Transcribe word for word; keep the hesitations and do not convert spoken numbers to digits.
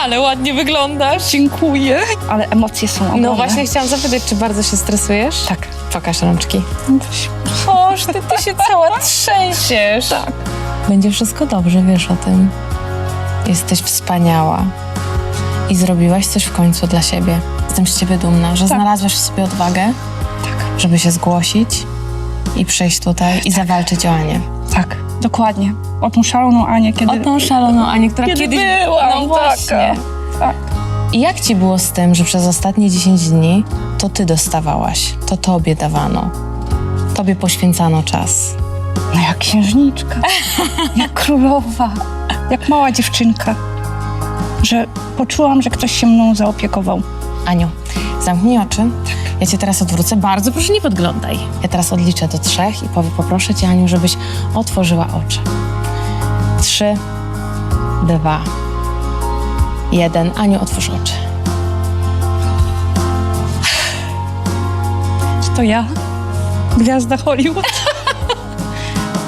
Ale ładnie wyglądasz. Dziękuję. Ale emocje są ogromne. No właśnie chciałam zapytać, czy bardzo się stresujesz? Tak. Pokaż rączki. Oż, ty, ty się cała trzęsiesz. Tak. Będzie wszystko dobrze, wiesz o tym. Jesteś wspaniała. I zrobiłaś coś w końcu dla siebie. Jestem z ciebie dumna, że Tak. znalazłaś w sobie odwagę, Tak. żeby się zgłosić i przyjść tutaj i zawalczyć o Anię. Tak. Dokładnie. O tą szaloną Anię, kiedy... O tą szaloną Anię, która Kiedy kiedyś... byłam No właśnie. taka. Tak. I jak ci było z tym, że przez ostatnie dziesięć dni to ty dostawałaś, to tobie dawano, tobie poświęcano czas? No jak księżniczka. Jak królowa. Jak mała dziewczynka. Że poczułam, że ktoś się mną zaopiekował. Aniu, zamknij oczy. Ja cię teraz odwrócę. Bardzo proszę, nie podglądaj. Ja teraz odliczę do trzech i powie, poproszę cię, Aniu, żebyś otworzyła oczy. Trzy, dwa, jeden. Aniu, otwórz oczy. Czy to ja? Gwiazda Hollywood?